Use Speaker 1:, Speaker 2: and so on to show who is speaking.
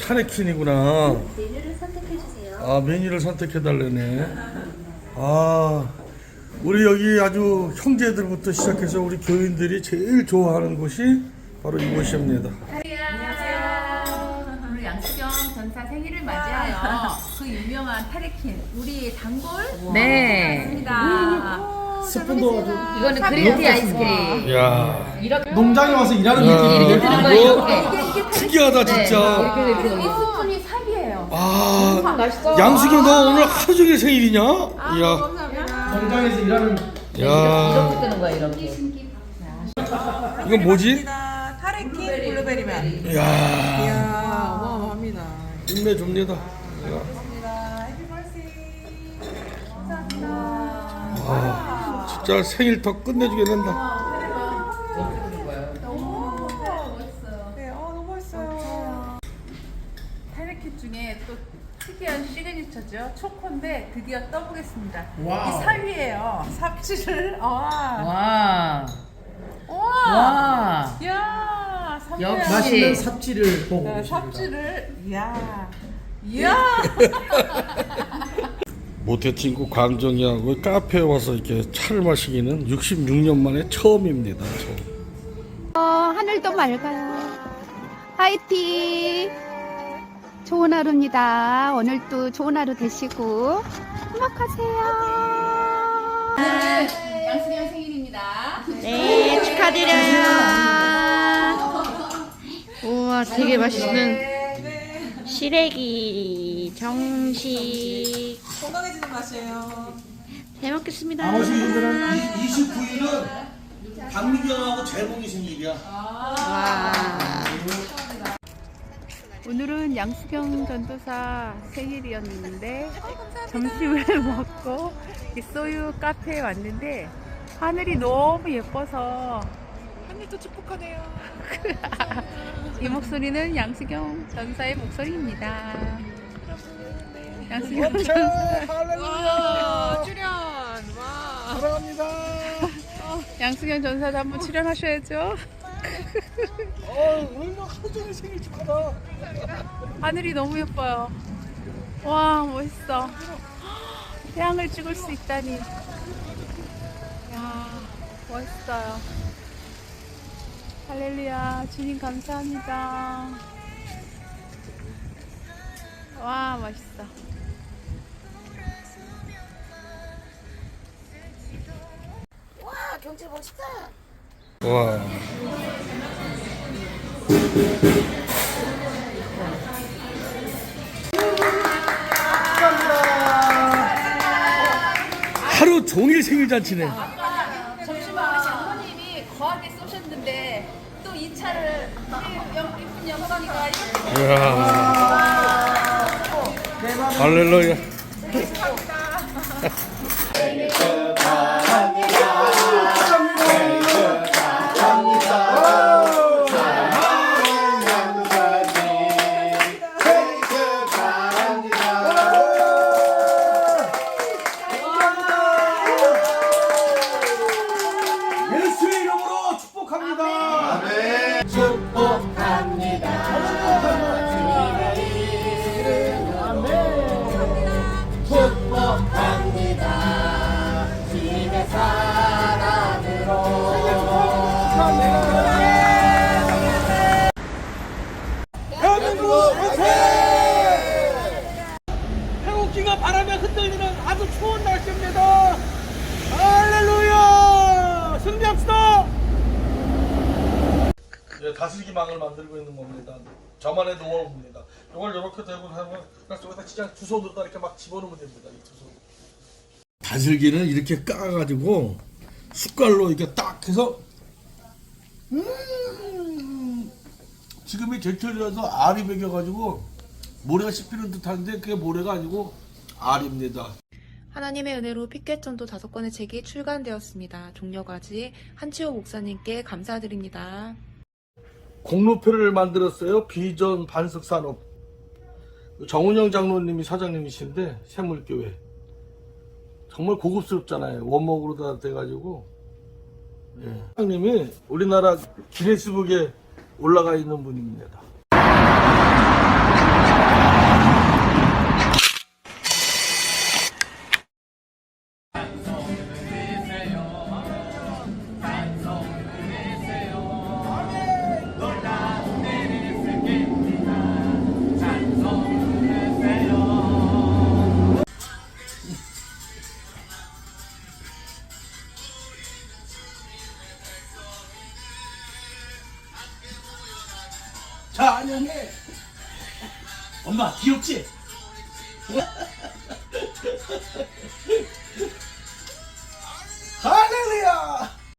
Speaker 1: 타레킨이구나.
Speaker 2: 메뉴를 선택해주세요.
Speaker 1: 아, 메뉴를 선택해달라네. 아, 우리 여기 아주 형제들부터 시작해서 우리 교인들이 제일 좋아하는 곳이 바로 이곳입니다.
Speaker 3: 안녕하세요. 오늘 양수경 전사 생일을 맞이하여 그 유명한 타레킨 우리 단골
Speaker 4: 네.
Speaker 3: 맞습니다.
Speaker 5: 스푼도 아주
Speaker 4: 이거는 그린티 아이스크림.
Speaker 1: 야,
Speaker 5: 농장에 와서 일하는
Speaker 1: 야,
Speaker 5: 느낌이
Speaker 4: 이렇게 드는 거 이렇게.
Speaker 1: 특이하다 진짜.
Speaker 3: 이 스푼이 삽이에요.
Speaker 1: 아, 양수경 너 오늘 하루 종일 생일이냐? 이야,
Speaker 5: 농장에서 일하는
Speaker 1: 야,
Speaker 4: 이렇게 뜨는 거야 이렇게.
Speaker 1: 이건 뭐지?
Speaker 6: 타레킨 블루베리맨.
Speaker 1: 이야,
Speaker 6: 이야, 어마어마합니다.
Speaker 1: 힘내줍니다. 아, 진짜 생일 더 끝내주게 된다.
Speaker 6: 네, 너무 멋있어요.
Speaker 3: 타레킨 중에 또 특이한 시그니처죠. 초코인데 드디어 떠보겠습니다.
Speaker 5: 와우.
Speaker 3: 이 삽이에요. 삽질을
Speaker 4: 와.
Speaker 3: 와.
Speaker 4: 와.
Speaker 3: 야,
Speaker 4: 역시.
Speaker 5: 맛있는 삽질을 보고
Speaker 3: 네,
Speaker 5: 계십니다.
Speaker 3: 삽질을 이야.
Speaker 1: 모태친구 광정이하고 카페에 와서 이렇게 차를 마시기는 66년 만에 처음입니다.
Speaker 7: 하늘도 맑아요. 화이팅! 좋은 하루입니다. 오늘도 좋은 하루 되시고 행복하세요.
Speaker 3: 오늘은 양수경 생일입니다.
Speaker 7: 네, 축하드려요. 우와, 되게 맛있는 시래기 정식.
Speaker 6: 건강해지는 맛이에요.
Speaker 7: 잘 먹겠습니다.
Speaker 1: 나머지 분들은 29일은 박미경하고 재봉이 생일이야.
Speaker 7: 와. 오늘은 양수경 전도사 생일이었는데 점심을 먹고 이 소유 카페에 왔는데 하늘이 너무 예뻐서
Speaker 6: 하늘도 축복하네요.
Speaker 7: 이 목소리는 양수경 전사의 목소리입니다. 양수경 전사.
Speaker 6: 와, 출연. 와.
Speaker 5: 사랑합니다.
Speaker 7: 양수경 전사도 한번 출연하셔야죠.
Speaker 5: 오늘 하루 종일 생일 축하다.
Speaker 7: 하늘이 너무 예뻐요. 와, 멋있어. 태양을 찍을 수 있다니. 야, 멋있어요. 할렐루야, 주님 감사합니다. 와, 멋있어.
Speaker 1: 와. 하루 종일 생일 잔치네.
Speaker 3: 점심을 우리 장모님이 거하게 쏘셨는데 또 이 차를 이쁜 영광이가 이렇게
Speaker 1: 이야. 할렐루야. 예수의 이름으로 축복합니다. 대한민국 화이팅! 태국기가 바람에 흔들리는 아주 추운 날씨입니다. 할렐루야! 승리합시다! 예, 다슬기망을 만들고 있는 겁니다. 저만의 노하우입니다. 이걸 이렇게 대고 하면 여기다 진짜 두 손으로 이렇게 막 집어넣으면 됩니다. 이 두 손. 다슬기는 이렇게 까가지고 숟갈로 이렇게 딱 해서 지금이 제철이라서 알이 배겨가지고 모래가 씹히는 듯한데 그게 모래가 아니고 알입니다.
Speaker 8: 하나님의 은혜로 피켓전도 5권의 책이 출간되었습니다. 종려과지 한치호 목사님께 감사드립니다.
Speaker 1: 공로표를 만들었어요. 비전 반석산업. 정운영 장로님이 사장님이신데 샘물교회. 정말 고급스럽잖아요. 원목으로 다 돼가지고. 예. 사장님이 우리나라 기네스북에 올라가 있는 분입니다. 찬양해. 엄마 귀엽지? 할렐루야.